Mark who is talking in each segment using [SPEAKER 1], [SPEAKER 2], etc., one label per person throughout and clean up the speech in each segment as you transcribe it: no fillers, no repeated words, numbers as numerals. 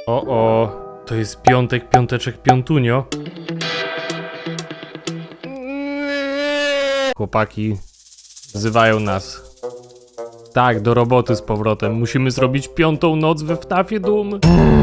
[SPEAKER 1] O, to jest piątek, piąteczek, piątunio. Chłopaki wzywają nas. Tak, do roboty z powrotem. Musimy zrobić 5. noc we FNAF-ie Doom.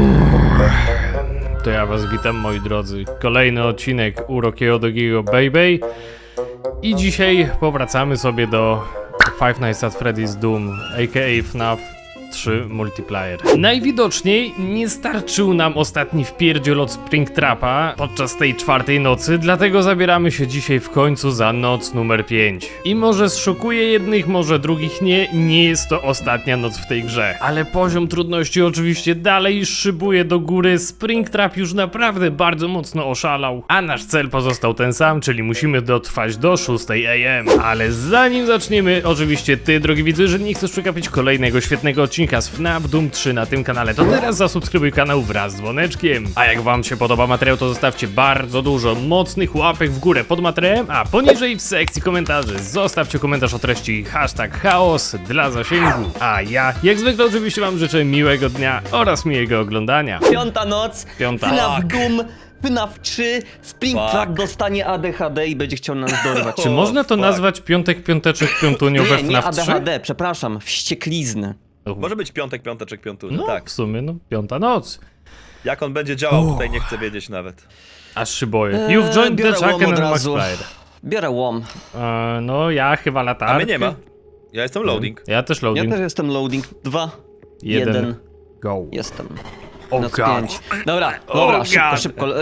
[SPEAKER 1] To ja was witam, moi drodzy. Kolejny odcinek u Rockiego Dogiego Baby. I dzisiaj powracamy sobie do Five Nights at Freddy's Doom, a.k.a. FNAF 3 Multiplayer. Najwidoczniej nie starczył nam ostatni wpierdziel od Springtrapa podczas tej 4. nocy, dlatego zabieramy się dzisiaj w końcu za noc numer 5. I może zszokuje jednych, może drugich nie jest to ostatnia noc w tej grze. Ale poziom trudności oczywiście dalej szybuje do góry, Springtrap już naprawdę bardzo mocno oszalał, a nasz cel pozostał ten sam, czyli musimy dotrwać do 6 AM. Ale zanim zaczniemy, oczywiście ty, drogi widzu, jeżeli nie chcesz przegapić kolejnego świetnego odcinka z FNAF Doom 3 na tym kanale, to teraz zasubskrybuj kanał wraz z dzwoneczkiem. A jak wam się podoba materiał, to zostawcie bardzo dużo mocnych łapek w górę pod materiałem, a poniżej w sekcji komentarzy zostawcie komentarz o treści #chaos dla zasięgu. A ja, jak zwykle oczywiście wam życzę miłego dnia oraz miłego oglądania.
[SPEAKER 2] 5. noc,
[SPEAKER 1] Piąta.
[SPEAKER 2] FNAF Doom, FNAF 3, Springtrap dostanie ADHD i będzie chciał nas dorwać.
[SPEAKER 1] Czy można to nazwać piątek, piąteczek, piątunio we
[SPEAKER 2] Nie
[SPEAKER 1] FNAF 3?
[SPEAKER 2] ADHD, przepraszam, wścieklizny.
[SPEAKER 3] Może być piątek, piąteczek, piątuny,
[SPEAKER 1] No,
[SPEAKER 3] tak.
[SPEAKER 1] w sumie, 5. noc.
[SPEAKER 3] Jak on będzie działał, tutaj nie chcę wiedzieć nawet.
[SPEAKER 1] Aż się boję. You've joined the
[SPEAKER 2] biorę łom
[SPEAKER 1] Chucken
[SPEAKER 2] od
[SPEAKER 1] and Max
[SPEAKER 2] razu.
[SPEAKER 1] Player.
[SPEAKER 2] Biorę łom.
[SPEAKER 1] No, ja chyba latarkę.
[SPEAKER 3] A mnie nie ma. Ja jestem loading.
[SPEAKER 1] Ja też
[SPEAKER 2] Ja
[SPEAKER 1] loading.
[SPEAKER 2] też jestem loading. 2,
[SPEAKER 1] 1.
[SPEAKER 2] 1,
[SPEAKER 1] Go.
[SPEAKER 2] jestem.
[SPEAKER 1] Oh
[SPEAKER 2] Noc
[SPEAKER 1] god.
[SPEAKER 2] 5. Dobra, dobra, szybko,
[SPEAKER 1] god.
[SPEAKER 2] szybko.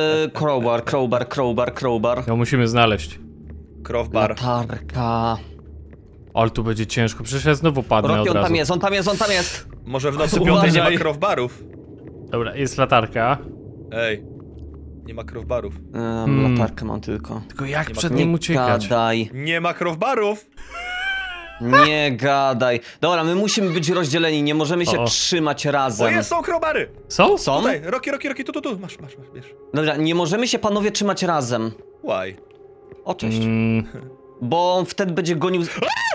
[SPEAKER 2] Crowbar.
[SPEAKER 1] No musimy znaleźć.
[SPEAKER 3] Crowbar.
[SPEAKER 2] Latarka.
[SPEAKER 1] Ale tu będzie ciężko, przecież ja znowu padnę
[SPEAKER 2] Rocky,
[SPEAKER 1] od
[SPEAKER 2] on
[SPEAKER 1] razu.
[SPEAKER 2] tam jest.
[SPEAKER 3] Może w nocy
[SPEAKER 2] Uważaj.
[SPEAKER 3] piątej nie ma crowbarów.
[SPEAKER 1] Dobra, jest latarka.
[SPEAKER 3] Ej. Nie ma crowbarów.
[SPEAKER 2] Latarkę mam tylko.
[SPEAKER 1] Tylko jak
[SPEAKER 3] Nie ma
[SPEAKER 1] przed
[SPEAKER 3] tu-
[SPEAKER 1] nim
[SPEAKER 2] Nie
[SPEAKER 1] uciekać?
[SPEAKER 2] gadaj.
[SPEAKER 3] Nie ma crowbarów!
[SPEAKER 2] Nie gadaj. Dobra, my musimy być rozdzieleni, nie możemy się
[SPEAKER 1] O.
[SPEAKER 2] trzymać
[SPEAKER 3] O,
[SPEAKER 2] razem.
[SPEAKER 3] jest, są crowbary!
[SPEAKER 1] Są?
[SPEAKER 2] Są?
[SPEAKER 3] Tutaj, Rocky, tu, masz, bierz.
[SPEAKER 2] Dobra, nie możemy się panowie trzymać razem.
[SPEAKER 3] Why?
[SPEAKER 2] O, cześć.
[SPEAKER 1] Mm,
[SPEAKER 2] Bo on wtedy będzie gonił...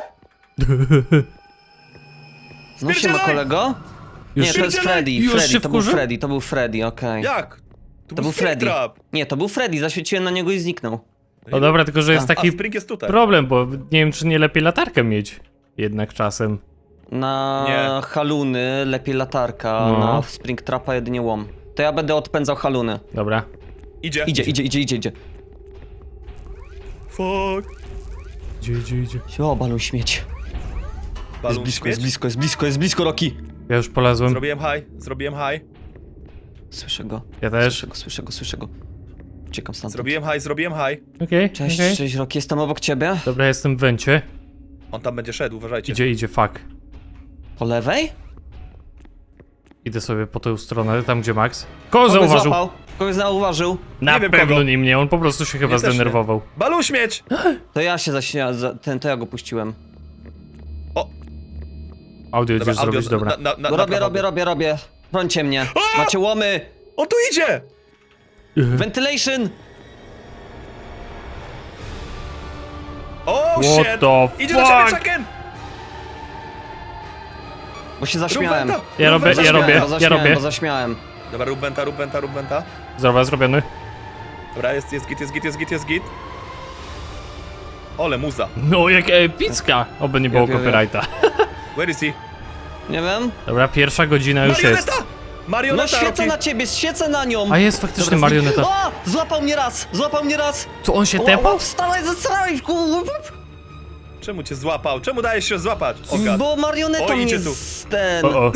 [SPEAKER 2] No się ma
[SPEAKER 3] Spierdzielaj!
[SPEAKER 2] kolego?
[SPEAKER 1] Już
[SPEAKER 2] Nie, to jest
[SPEAKER 3] spierdzielaj!
[SPEAKER 2] Freddy,
[SPEAKER 1] Już się
[SPEAKER 2] to był
[SPEAKER 1] wkurzy?
[SPEAKER 2] Freddy, to był Freddy, okej.
[SPEAKER 3] Jak?
[SPEAKER 2] To był Freddy.
[SPEAKER 3] Springtrap.
[SPEAKER 2] Nie, to był Freddy, zaświeciłem na niego i zniknął.
[SPEAKER 1] No dobra, tylko że jest
[SPEAKER 3] A
[SPEAKER 1] taki
[SPEAKER 3] Spring jest tutaj.
[SPEAKER 1] problem, bo nie wiem, czy nie lepiej latarkę mieć. Jednak czasem.
[SPEAKER 2] Na
[SPEAKER 3] Nie.
[SPEAKER 2] haluny lepiej latarka,
[SPEAKER 1] No.
[SPEAKER 2] na Springtrapa jedynie łom. To ja będę odpędzał haluny.
[SPEAKER 1] Dobra.
[SPEAKER 3] Idzie.
[SPEAKER 2] Idzie.
[SPEAKER 3] Fuck.
[SPEAKER 1] Idzie.
[SPEAKER 2] O, balon śmieć.
[SPEAKER 3] Balon
[SPEAKER 2] Jest blisko, Rocky.
[SPEAKER 1] Ja już polazłem.
[SPEAKER 3] Zrobiłem high.
[SPEAKER 2] Słyszę go.
[SPEAKER 1] Ja też.
[SPEAKER 2] Słyszę go. Uciekam stamtąd.
[SPEAKER 3] Zrobiłem high.
[SPEAKER 1] Okej,
[SPEAKER 2] Cześć,
[SPEAKER 1] okej.
[SPEAKER 2] cześć Rocky, jestem obok ciebie.
[SPEAKER 1] Dobra, jestem w wencie.
[SPEAKER 3] On tam będzie szedł, uważajcie.
[SPEAKER 1] Idzie, fuck.
[SPEAKER 2] Po lewej?
[SPEAKER 1] Idę sobie po tę stronę, tam gdzie Max. Kogo zauważył?
[SPEAKER 2] Kogoś zauważył.
[SPEAKER 1] Na
[SPEAKER 3] Nie wiem
[SPEAKER 1] pewno
[SPEAKER 3] kogo.
[SPEAKER 1] nie mnie, on po prostu się chyba
[SPEAKER 3] Mnie też nie.
[SPEAKER 1] zdenerwował.
[SPEAKER 3] Balon śmieć!
[SPEAKER 2] To ja się to ja go puściłem.
[SPEAKER 3] O!
[SPEAKER 1] Audio idziesz zrobić, dobra.
[SPEAKER 2] Robię. Brońcie mnie.
[SPEAKER 3] A!
[SPEAKER 2] Macie łomy.
[SPEAKER 3] On tu idzie!
[SPEAKER 2] Ventilation.
[SPEAKER 3] O,
[SPEAKER 1] What
[SPEAKER 3] shit!
[SPEAKER 1] the
[SPEAKER 3] Idzie do ciebie,
[SPEAKER 1] fuck?
[SPEAKER 3] Chucken!
[SPEAKER 2] Bo się zaśmiałem.
[SPEAKER 1] Ja robię.
[SPEAKER 2] Bo zaśmiałem.
[SPEAKER 3] Dobra, rób benta.
[SPEAKER 1] Zrobiony.
[SPEAKER 3] Dobra, jest git. Ole, muza.
[SPEAKER 1] No, jak epicka! Oby nie było
[SPEAKER 2] Ja.
[SPEAKER 1] copyrighta.
[SPEAKER 3] Where is he?
[SPEAKER 2] Nie wiem.
[SPEAKER 1] Dobra, pierwsza godzina już jest.
[SPEAKER 2] No
[SPEAKER 3] Marioneta,
[SPEAKER 2] świecę
[SPEAKER 3] Rocky!
[SPEAKER 2] na ciebie, świecę na nią.
[SPEAKER 1] A jest faktycznie
[SPEAKER 2] Dobra,
[SPEAKER 1] marioneta.
[SPEAKER 2] O! Złapał mnie raz.
[SPEAKER 1] Co, on się
[SPEAKER 2] O,
[SPEAKER 1] tepał?
[SPEAKER 2] wstawaj, zesrałeś.
[SPEAKER 3] Czemu cię złapał? Czemu dajesz się złapać? O, gad.
[SPEAKER 2] Bo marioneta
[SPEAKER 3] O,
[SPEAKER 2] mnie
[SPEAKER 3] idzie tu.
[SPEAKER 2] ten...
[SPEAKER 1] O.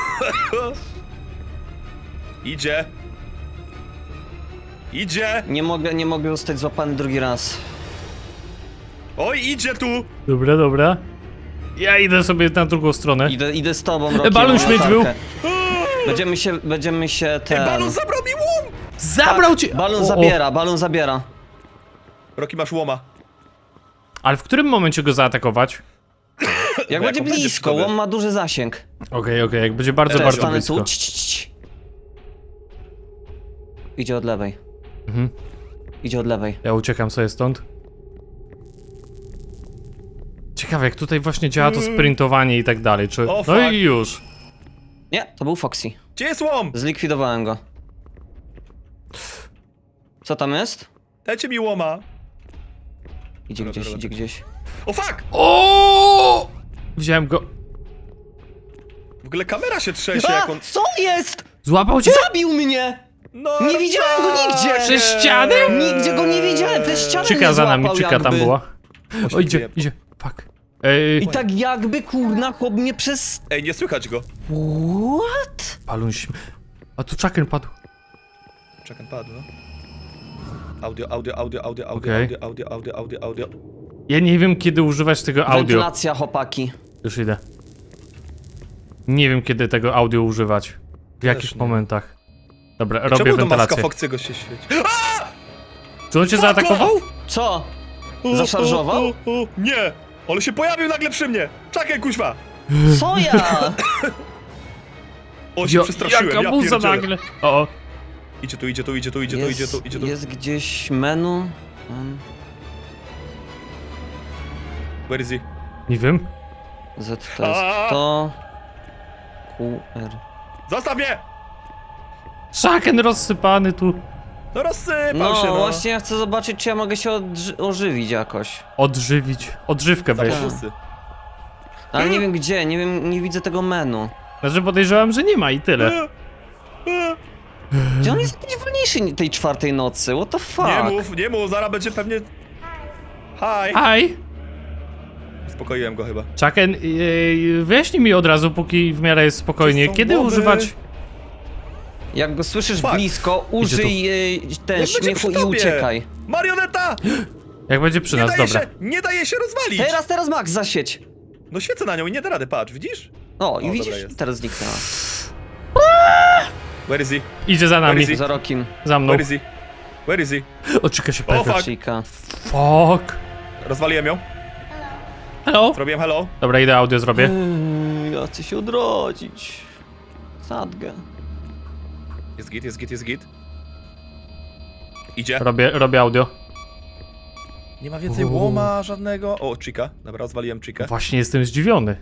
[SPEAKER 3] Idzie!
[SPEAKER 2] Nie mogę zostać złapany drugi raz.
[SPEAKER 3] Oj, idzie tu!
[SPEAKER 1] Dobra. Ja idę sobie na drugą stronę.
[SPEAKER 2] Idę z tobą, Rocky.
[SPEAKER 1] balon
[SPEAKER 2] mam
[SPEAKER 1] śmieć
[SPEAKER 2] latarkę.
[SPEAKER 1] był.
[SPEAKER 2] Będziemy się
[SPEAKER 3] Ej,
[SPEAKER 2] ten...
[SPEAKER 3] balon zabrał mi łom!
[SPEAKER 1] Zabrał cię!
[SPEAKER 2] Balon zabiera.
[SPEAKER 3] Rocky, masz łoma.
[SPEAKER 1] Ale w którym momencie go zaatakować?
[SPEAKER 2] Jak
[SPEAKER 3] Bo
[SPEAKER 2] będzie
[SPEAKER 3] jak on będzie
[SPEAKER 2] blisko,
[SPEAKER 3] przy tobie.
[SPEAKER 2] łom ma duży zasięg.
[SPEAKER 1] Okej, jak będzie bardzo
[SPEAKER 3] Teraz
[SPEAKER 2] Stanę
[SPEAKER 1] blisko.
[SPEAKER 2] tu. Idzie od lewej.
[SPEAKER 1] Mhm.
[SPEAKER 2] Idzie od lewej.
[SPEAKER 1] Ja uciekam sobie stąd. Ciekawe, jak tutaj właśnie działa to sprintowanie i tak dalej, czy...
[SPEAKER 3] O,
[SPEAKER 1] No
[SPEAKER 3] fuck.
[SPEAKER 1] i już.
[SPEAKER 2] Nie, to był Foxy.
[SPEAKER 3] Gdzie jest łom?
[SPEAKER 2] Zlikwidowałem go. Co tam jest?
[SPEAKER 3] Dajcie mi łoma.
[SPEAKER 2] Idzie
[SPEAKER 3] Dobra,
[SPEAKER 2] gdzieś,
[SPEAKER 3] dobra.
[SPEAKER 2] idzie gdzieś.
[SPEAKER 3] O fuck!
[SPEAKER 1] O! Wziąłem go.
[SPEAKER 3] W ogóle kamera się trzęsie,
[SPEAKER 2] A,
[SPEAKER 3] jak on...
[SPEAKER 2] co jest?
[SPEAKER 1] Złapał cię?
[SPEAKER 2] Zabił mnie!
[SPEAKER 3] No,
[SPEAKER 2] Nie widziałem go nigdzie!
[SPEAKER 1] Przez ścianę?
[SPEAKER 2] Nigdzie go nie widziałem, przez ścianę
[SPEAKER 1] Czyka
[SPEAKER 2] mnie
[SPEAKER 1] za nami,
[SPEAKER 2] złapał
[SPEAKER 1] czyka tam
[SPEAKER 2] jakby.
[SPEAKER 1] była. O, idzie,
[SPEAKER 3] Oświetliłem.
[SPEAKER 1] idzie. Fuck.
[SPEAKER 2] I tak jakby, kurna, chłop mnie przez...
[SPEAKER 3] Ej, nie słychać go.
[SPEAKER 2] What?
[SPEAKER 1] Paluń się. A tu Chucken padł.
[SPEAKER 3] Czekam, padł, no. Audio.
[SPEAKER 1] Okej.
[SPEAKER 3] Audio.
[SPEAKER 1] Ja nie wiem, kiedy używać tego audio.
[SPEAKER 2] Wentylacja, chłopaki.
[SPEAKER 1] Już idę. Nie wiem, kiedy tego audio używać. W jakich
[SPEAKER 3] nie.
[SPEAKER 1] momentach. Dobra, robię
[SPEAKER 3] Czemu do maska
[SPEAKER 1] wentylację.
[SPEAKER 3] Foxy'ego się świeci?
[SPEAKER 1] Czy on cię zaatakował?
[SPEAKER 2] Co? Zaszarżował?
[SPEAKER 3] Nie! Ale się pojawił nagle przy mnie! Czekaj, kuźwa!
[SPEAKER 2] Co ja?
[SPEAKER 3] O, się przestraszyłem,
[SPEAKER 1] Jaka
[SPEAKER 3] ja
[SPEAKER 1] muza
[SPEAKER 3] pierdzielę.
[SPEAKER 1] nagle. O,
[SPEAKER 3] Idzie tu.
[SPEAKER 2] Jest gdzieś menu.
[SPEAKER 3] Where is he?
[SPEAKER 1] nie wiem.
[SPEAKER 2] Z to jest to. QR.
[SPEAKER 3] Zostaw mnie!
[SPEAKER 1] Chucken rozsypany tu.
[SPEAKER 3] No rozsypał
[SPEAKER 2] No,
[SPEAKER 3] się, no.
[SPEAKER 2] właśnie ja chcę zobaczyć, czy ja mogę się ożywić jakoś.
[SPEAKER 1] Odżywić. Odżywkę weź.
[SPEAKER 3] Zawodusy.
[SPEAKER 2] Ale nie wiem gdzie, nie wiem, nie widzę tego menu.
[SPEAKER 1] Znaczy podejrzewam, że nie ma i tyle.
[SPEAKER 2] Gdzie on jest jakiś wolniejszy tej czwartej nocy? What the fuck?
[SPEAKER 3] Nie mów, zaraz będzie pewnie... Hi!
[SPEAKER 1] Aj!
[SPEAKER 3] Uspokoiłem go chyba.
[SPEAKER 1] Chucken, wyjaśnij mi od razu, póki w miarę jest spokojnie,
[SPEAKER 3] Czy są
[SPEAKER 1] kiedy
[SPEAKER 3] głowy?
[SPEAKER 1] używać...
[SPEAKER 2] Jak go słyszysz
[SPEAKER 3] Fuck.
[SPEAKER 2] blisko, użyj ten
[SPEAKER 3] Jak będzie
[SPEAKER 2] śmiechu
[SPEAKER 3] przy
[SPEAKER 2] i
[SPEAKER 3] tobie?
[SPEAKER 2] uciekaj.
[SPEAKER 3] Marioneta!
[SPEAKER 1] Jak będzie przy nas, dobra.
[SPEAKER 3] Nie daje się rozwalić!
[SPEAKER 2] Teraz Max, zasieć.
[SPEAKER 3] No świecę na nią i nie da rady, patrz, widzisz?
[SPEAKER 2] O, i
[SPEAKER 3] O,
[SPEAKER 2] widzisz,
[SPEAKER 3] dobra jest.
[SPEAKER 2] teraz zniknęła.
[SPEAKER 3] Where is he?
[SPEAKER 1] Idzie za nami.
[SPEAKER 3] Where is
[SPEAKER 2] Za rokiem.
[SPEAKER 1] Za mną.
[SPEAKER 3] Where is he? Where is he?
[SPEAKER 1] O, Chica się
[SPEAKER 3] O,
[SPEAKER 1] pojawia.
[SPEAKER 3] fuck.
[SPEAKER 2] Chica.
[SPEAKER 1] Fuck.
[SPEAKER 3] Rozwaliłem ją.
[SPEAKER 1] Hello?
[SPEAKER 3] Zrobiłem hello.
[SPEAKER 1] Dobra, idę audio zrobię.
[SPEAKER 2] Ja chcę się odrodzić. Sadgę.
[SPEAKER 3] Jest git. Idzie.
[SPEAKER 1] Robię audio.
[SPEAKER 3] Nie ma więcej łoma żadnego. O, Chica. Dobra, rozwaliłem Chica.
[SPEAKER 1] Właśnie jestem zdziwiony.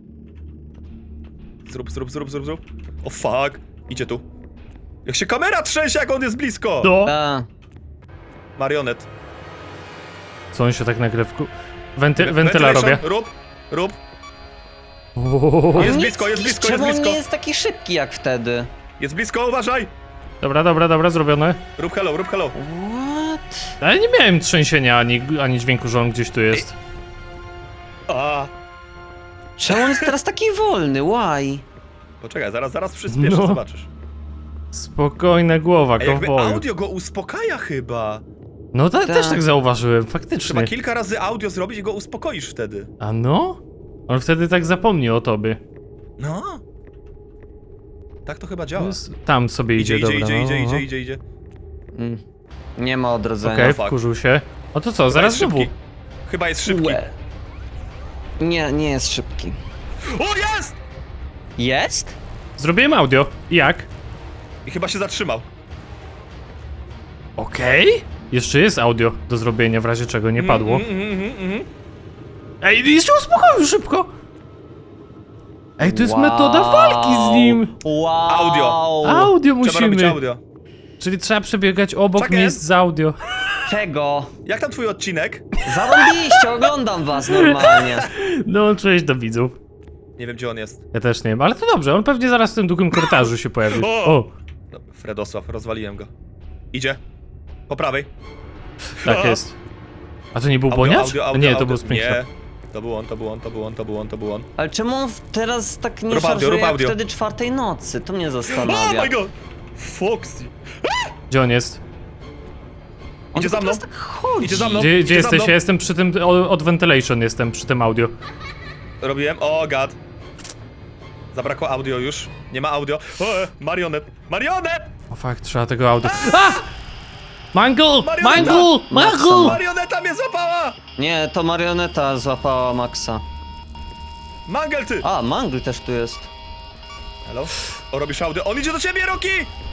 [SPEAKER 3] Zrób. O fuck. Idzie tu. Jak się kamera trzęsie, jak on jest blisko!
[SPEAKER 1] No.
[SPEAKER 2] A,
[SPEAKER 3] Marionet.
[SPEAKER 1] Co on się tak nagle wentyla robię.
[SPEAKER 3] Rób.
[SPEAKER 1] Uuu.
[SPEAKER 3] Jest
[SPEAKER 2] on
[SPEAKER 3] blisko,
[SPEAKER 2] nie-
[SPEAKER 3] jest blisko,
[SPEAKER 2] Czemu
[SPEAKER 3] jest blisko.
[SPEAKER 2] on nie jest taki szybki jak wtedy?
[SPEAKER 3] Jest blisko, uważaj!
[SPEAKER 1] Dobra, zrobione.
[SPEAKER 3] Rób hello.
[SPEAKER 2] What?
[SPEAKER 1] Ale nie miałem trzęsienia ani dźwięku, że on gdzieś tu jest.
[SPEAKER 3] A.
[SPEAKER 2] Czemu on jest teraz taki wolny? Why?
[SPEAKER 3] Poczekaj, zaraz przyspieszę,
[SPEAKER 1] No.
[SPEAKER 3] zobaczysz.
[SPEAKER 1] Spokojna głowa,
[SPEAKER 3] A jakby
[SPEAKER 1] kowboju.
[SPEAKER 3] audio go uspokaja chyba.
[SPEAKER 1] No
[SPEAKER 2] Tak.
[SPEAKER 1] też tak zauważyłem, faktycznie.
[SPEAKER 3] Trzeba kilka razy audio zrobić i go uspokoisz wtedy.
[SPEAKER 1] A no? On wtedy tak zapomni o tobie.
[SPEAKER 3] No. Tak to chyba działa.
[SPEAKER 1] Tam sobie idzie, dobra. no.
[SPEAKER 3] Idzie.
[SPEAKER 2] Mm. Nie ma odrodzenia.
[SPEAKER 1] Okej,
[SPEAKER 3] fuck.
[SPEAKER 1] wkurzył się. O to co,
[SPEAKER 3] Chyba
[SPEAKER 1] zaraz
[SPEAKER 3] jest
[SPEAKER 1] znowu.
[SPEAKER 3] szybki. Chyba jest szybki.
[SPEAKER 2] Łe. Nie jest szybki.
[SPEAKER 3] O, jest!
[SPEAKER 2] Jest?
[SPEAKER 1] Zrobiłem audio. Jak?
[SPEAKER 3] I chyba się zatrzymał.
[SPEAKER 1] Okej. Jeszcze jest audio do zrobienia, w razie czego nie padło.
[SPEAKER 3] Mhm.
[SPEAKER 1] Ej, jeszcze uspokoił szybko. Ej, to jest metoda walki z nim.
[SPEAKER 2] Wow.
[SPEAKER 3] Audio.
[SPEAKER 1] Audio
[SPEAKER 3] Trzeba robić
[SPEAKER 1] musimy.
[SPEAKER 3] audio.
[SPEAKER 1] Czyli trzeba przebiegać obok
[SPEAKER 3] Chucken?
[SPEAKER 1] miejsc z audio.
[SPEAKER 2] Czego?
[SPEAKER 3] Jak tam twój odcinek?
[SPEAKER 2] Zarąbiście, oglądam was normalnie.
[SPEAKER 1] Dołączyłeś do widzów.
[SPEAKER 3] Nie wiem, gdzie on jest.
[SPEAKER 1] Ja też nie wiem, ale to dobrze, on pewnie zaraz w tym długim korytarzu się pojawi.
[SPEAKER 3] O!
[SPEAKER 1] O,
[SPEAKER 3] No, Fredosław, rozwaliłem go. Idzie. Po prawej.
[SPEAKER 1] tak
[SPEAKER 3] O!
[SPEAKER 1] jest. A to nie był Boniacz? Nie, to był
[SPEAKER 3] Nie.
[SPEAKER 1] Springtrap.
[SPEAKER 3] To był on.
[SPEAKER 2] Ale czemu on teraz tak nie
[SPEAKER 3] Rób audio,
[SPEAKER 2] szarżuje
[SPEAKER 3] rób
[SPEAKER 2] jak
[SPEAKER 3] audio.
[SPEAKER 2] wtedy czwartej nocy? To mnie
[SPEAKER 3] Oh
[SPEAKER 2] zastanawia.
[SPEAKER 3] my god! Foxy.
[SPEAKER 1] Gdzie on jest?
[SPEAKER 2] On
[SPEAKER 3] Idzie
[SPEAKER 2] tylko
[SPEAKER 3] za mną.
[SPEAKER 2] teraz tak chodzi.
[SPEAKER 3] Idzie za mną.
[SPEAKER 1] Gdzie
[SPEAKER 3] Idzie za
[SPEAKER 1] jesteś?
[SPEAKER 3] mną.
[SPEAKER 1] Ja jestem przy tym, od ventilation jestem, przy tym audio.
[SPEAKER 3] Robiłem. O god. Zabrakło audio już. Nie ma audio. O, marionet. Marionet!
[SPEAKER 1] O fuck, trzeba tego audio. A! Mangle!
[SPEAKER 3] Marioneta!
[SPEAKER 1] Mangle!
[SPEAKER 3] Marioneta mnie złapała!
[SPEAKER 2] Nie, to marioneta złapała Maxa.
[SPEAKER 3] Mangel ty!
[SPEAKER 2] A, Mangle też tu jest.
[SPEAKER 3] Hello? O, robisz audio. On idzie do ciebie, Roki!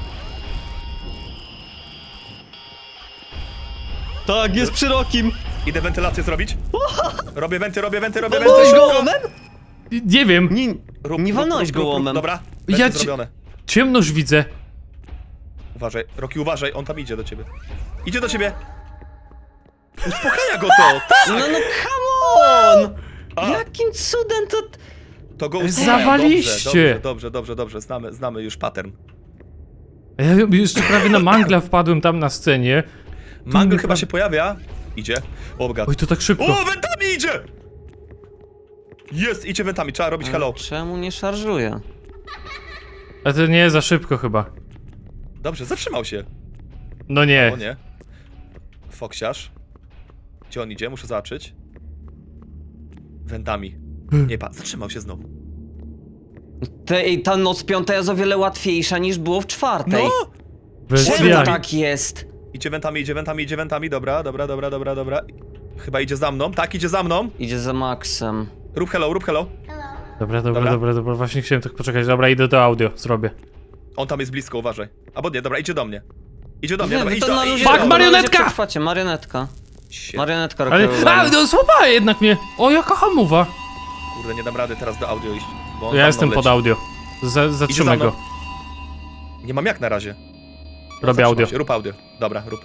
[SPEAKER 2] Tak, jest przy Rokim.
[SPEAKER 3] Idę wentylację zrobić. Robię wenty.
[SPEAKER 2] Walnąłeś
[SPEAKER 3] szybko.
[SPEAKER 2] go łomem?
[SPEAKER 1] Nie wiem.
[SPEAKER 2] Nie, nie walnąłeś go łomem.
[SPEAKER 3] Dobra, wenty
[SPEAKER 1] Ja ci-
[SPEAKER 3] zrobione.
[SPEAKER 1] Ciemność widzę.
[SPEAKER 3] Uważaj, Rocky, uważaj, on tam idzie do ciebie. Idzie do ciebie! Uspokaja go to!
[SPEAKER 2] No come on!
[SPEAKER 3] A.
[SPEAKER 2] Jakim cudem to...
[SPEAKER 3] To go uspokaja.
[SPEAKER 1] Zawaliście.
[SPEAKER 3] Dobrze. Znamy już pattern.
[SPEAKER 1] A ja jeszcze prawie na mangla wpadłem tam na scenie.
[SPEAKER 3] Mangle chyba się pojawia. Idzie. O, God.
[SPEAKER 1] Oj, to tak szybko.
[SPEAKER 3] O, wentami idzie! Jest, idzie wentami, trzeba robić hello.
[SPEAKER 2] Czemu nie szarżuje?
[SPEAKER 1] A to nie za szybko chyba.
[SPEAKER 3] Dobrze, zatrzymał się.
[SPEAKER 1] No nie.
[SPEAKER 3] O nie. Foksiarz. Gdzie on idzie? Muszę zobaczyć. Wentami. Nie, zatrzymał się znowu.
[SPEAKER 2] Ta noc piąta jest o wiele łatwiejsza niż było w czwartej.
[SPEAKER 3] No!
[SPEAKER 1] Bez
[SPEAKER 2] Czemu
[SPEAKER 1] jaj.
[SPEAKER 2] tak jest?
[SPEAKER 3] Idzie wentami. Dobra. Chyba idzie za mną. Tak, idzie za mną.
[SPEAKER 2] Idzie za Maxem.
[SPEAKER 3] Rób hello.
[SPEAKER 1] Dobra. Właśnie chciałem tak poczekać. Dobra, idę do audio, zrobię.
[SPEAKER 3] On tam jest blisko, uważaj. Albo nie, dobra, idzie do mnie. Dobra,
[SPEAKER 2] Wy
[SPEAKER 3] idź
[SPEAKER 2] to
[SPEAKER 3] do
[SPEAKER 2] na
[SPEAKER 3] mnie.
[SPEAKER 2] luzie-
[SPEAKER 1] Fuck,
[SPEAKER 2] to na
[SPEAKER 1] marionetka!
[SPEAKER 2] luzie przetrwacie, marionetka.
[SPEAKER 3] Shit.
[SPEAKER 2] Marionetka
[SPEAKER 1] Ale...
[SPEAKER 2] rokowa.
[SPEAKER 1] A, no złapała jednak mnie. O, jaka hamowa.
[SPEAKER 3] Kurde, nie dam rady teraz do audio iść. Bo on
[SPEAKER 1] Ja
[SPEAKER 3] za
[SPEAKER 1] jestem
[SPEAKER 3] mną
[SPEAKER 1] pod
[SPEAKER 3] leci.
[SPEAKER 1] audio. Zatrzymaj
[SPEAKER 3] Idzie za
[SPEAKER 1] go.
[SPEAKER 3] Nie mam jak na razie.
[SPEAKER 1] Robię audio.
[SPEAKER 3] Się, rób audio. Dobra, rób.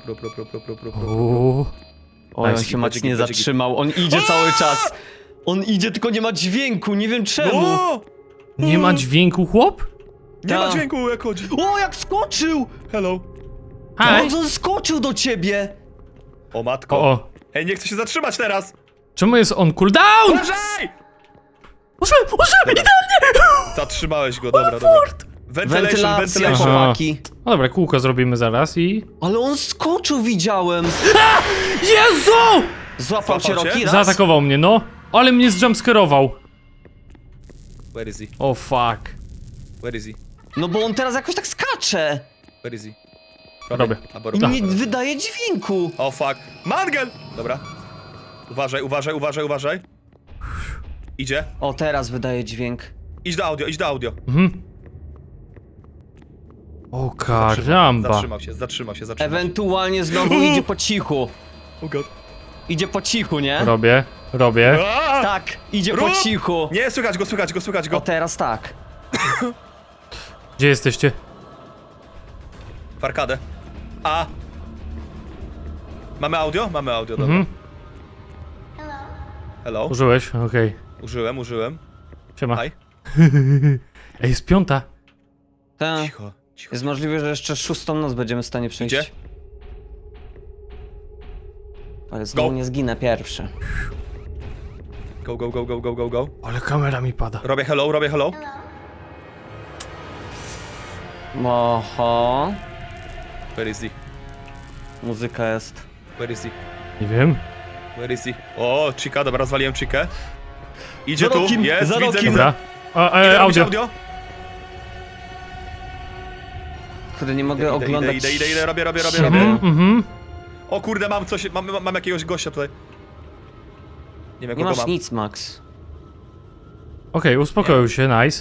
[SPEAKER 1] Uuu.
[SPEAKER 2] Oj, on
[SPEAKER 1] Nice.
[SPEAKER 2] się Max nie
[SPEAKER 3] Będzie git.
[SPEAKER 2] zatrzymał, on idzie cały czas. On idzie, tylko nie ma dźwięku, nie wiem czemu.
[SPEAKER 3] No!
[SPEAKER 1] Nie ma dźwięku, chłop?
[SPEAKER 3] Nie ma
[SPEAKER 2] Ta.
[SPEAKER 3] dźwięku, jak chodzi.
[SPEAKER 2] O, jak skoczył!
[SPEAKER 3] Hello.
[SPEAKER 1] Hi.
[SPEAKER 2] On skoczył do ciebie!
[SPEAKER 3] O matko.
[SPEAKER 1] O.
[SPEAKER 3] Ej, nie chcę się zatrzymać teraz.
[SPEAKER 1] Czemu jest on cooldown?
[SPEAKER 3] Uważaj!
[SPEAKER 1] Użyłem, idealnie!
[SPEAKER 3] Zatrzymałeś go, dobra.
[SPEAKER 2] Wentylacja,
[SPEAKER 1] Aha.
[SPEAKER 2] chłopaki.
[SPEAKER 1] No dobra, kółko zrobimy zaraz i...
[SPEAKER 2] Ale on skoczył, widziałem.
[SPEAKER 1] Jezu!
[SPEAKER 2] Złapał cię
[SPEAKER 3] Złapał cię?
[SPEAKER 2] Rocky raz?
[SPEAKER 1] Zaatakował mnie, no. Ale mnie zjumpscare'ował.
[SPEAKER 3] Where is he?
[SPEAKER 1] O fuck.
[SPEAKER 3] Where is he?
[SPEAKER 2] No bo on teraz jakoś tak skacze.
[SPEAKER 3] Where is he?
[SPEAKER 1] Robię.
[SPEAKER 3] Albo
[SPEAKER 2] I
[SPEAKER 3] rób.
[SPEAKER 2] nie wydaje dźwięku.
[SPEAKER 3] O fuck. Mangel! Dobra. Uważaj. Idzie.
[SPEAKER 2] O, teraz wydaje dźwięk.
[SPEAKER 3] Idź do audio.
[SPEAKER 1] Mhm. O karamba.
[SPEAKER 3] Zatrzymał się.
[SPEAKER 2] Ewentualnie znowu idzie po cichu.
[SPEAKER 3] Oh god.
[SPEAKER 2] Idzie po cichu, nie?
[SPEAKER 1] Robię.
[SPEAKER 3] Aaa!
[SPEAKER 2] Tak, idzie
[SPEAKER 3] Rób!
[SPEAKER 2] po cichu.
[SPEAKER 3] Nie, słychać go.
[SPEAKER 2] O, teraz tak.
[SPEAKER 1] Gdzie jesteście?
[SPEAKER 3] W arkadę. A. Mamy audio, dobra.
[SPEAKER 1] Mhm.
[SPEAKER 3] Hello.
[SPEAKER 1] Użyłeś? Okej.
[SPEAKER 3] Użyłem.
[SPEAKER 1] Siema.
[SPEAKER 3] Hi.
[SPEAKER 1] Ej, jest piąta.
[SPEAKER 2] Ta.
[SPEAKER 3] Cicho.
[SPEAKER 2] Jest możliwe, że jeszcze szóstą noc będziemy w stanie przejść.
[SPEAKER 3] Idzie?
[SPEAKER 2] Ale znowu
[SPEAKER 3] Go.
[SPEAKER 2] nie zginę pierwszy.
[SPEAKER 3] Go.
[SPEAKER 1] Ale kamera mi pada.
[SPEAKER 3] Robię hello.
[SPEAKER 2] Oho.
[SPEAKER 3] Where is he?
[SPEAKER 2] Muzyka jest.
[SPEAKER 1] Nie wiem.
[SPEAKER 3] Where is he? O, Chica, dobra, rozwaliłem Chikę. Idzie
[SPEAKER 2] Za
[SPEAKER 3] tu,
[SPEAKER 2] rokiem,
[SPEAKER 3] jest,
[SPEAKER 2] za
[SPEAKER 3] widzę.
[SPEAKER 2] rokiem.
[SPEAKER 1] Dobra.
[SPEAKER 3] Idę robić
[SPEAKER 1] Audio.
[SPEAKER 2] Kurde, nie mogę oglądać.
[SPEAKER 3] Idę, robię.
[SPEAKER 1] Mhm.
[SPEAKER 3] O kurde, mam coś, mam jakiegoś gościa tutaj. Nie wiem,
[SPEAKER 2] Nie
[SPEAKER 3] kogo
[SPEAKER 2] masz
[SPEAKER 3] mam.
[SPEAKER 2] nic, Max.
[SPEAKER 1] Okej, uspokoił się, nice.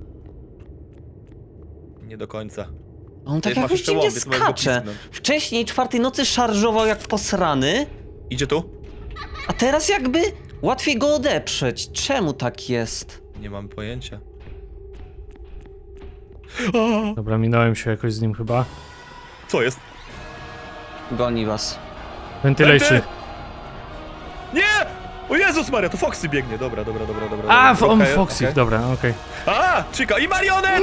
[SPEAKER 3] Nie do końca.
[SPEAKER 2] On tak
[SPEAKER 3] Masz
[SPEAKER 2] jakoś
[SPEAKER 3] jeszcze
[SPEAKER 2] dziwnie
[SPEAKER 3] łom, więc możesz go
[SPEAKER 2] skacze.
[SPEAKER 3] pisnąć.
[SPEAKER 2] Wcześniej czwartej nocy szarżował jak posrany,
[SPEAKER 3] Idzie tu?
[SPEAKER 2] a teraz jakby łatwiej go odeprzeć. Czemu tak jest?
[SPEAKER 3] Nie mam pojęcia.
[SPEAKER 1] Dobra, minąłem się jakoś z nim chyba.
[SPEAKER 3] Co jest?
[SPEAKER 2] Goni was.
[SPEAKER 1] Ventilation.
[SPEAKER 3] Nie! O Jezus Maria, to Foxy biegnie. Dobra.
[SPEAKER 1] A,
[SPEAKER 3] Dobra,
[SPEAKER 1] on
[SPEAKER 3] okej,
[SPEAKER 1] Foxy,
[SPEAKER 3] okej.
[SPEAKER 1] dobra, okej.
[SPEAKER 3] A, Chica i marionet!